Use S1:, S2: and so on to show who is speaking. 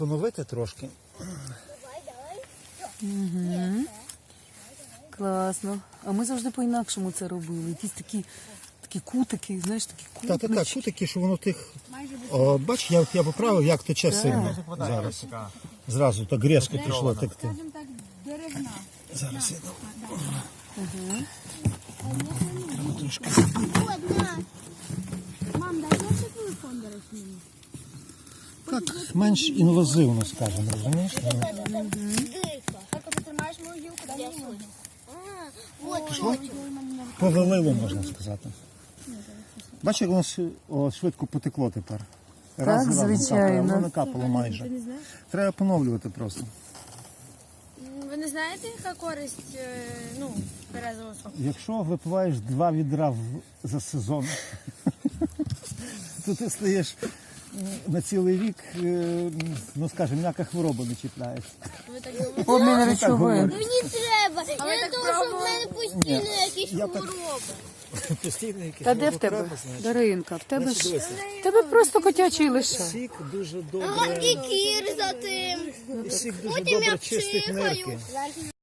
S1: поновити трошки.
S2: Угу. Класно. А ми завжди по-інакшому це робили. Якісь такі кутики, знаєш, такі кутнички.
S1: Так, кутики, що воно тих... О, бач, я поправив, як тече сильно зараз. Зразу так різко пішло текти.
S3: Скажімо так, деревна.
S1: Зараз я дам.
S3: Треба трошки. Мам, дай я телефон, до речі, мені.
S1: Так, менш інвазивно, скажімо, розумієш?
S3: Так, ти тримаєш мою гілку, дай мені мою.
S1: Пішло? Повалило, можна сказати. Бачиш, як воно швидко потекло тепер. Раз за разом.
S2: звичайно.
S1: Воно накапало майже. Треба поновлювати просто.
S3: Ви не знаєте, яка користь березового соку?
S1: Якщо випиваєш 2 відра за сезон, то ти стаєш на цілий рік, ну скажімо, ніяка хвороба не чіпляється.
S3: Ви так думаєте?
S2: Обмін речовин.
S4: Мені треба.
S3: А ви
S4: Я
S3: так
S4: думаю, що в
S3: пробували?
S4: мене постійно якісь хвороби.
S1: Постійно якісь
S2: Та де в тебе? Даринка, в тебе ж в тебе просто котячий лише.
S1: Сік дуже
S4: А
S1: добре,
S4: і кір за тим.
S1: сік дуже
S4: Потім я
S1: добре чистить
S4: пчихаю.
S1: нирки.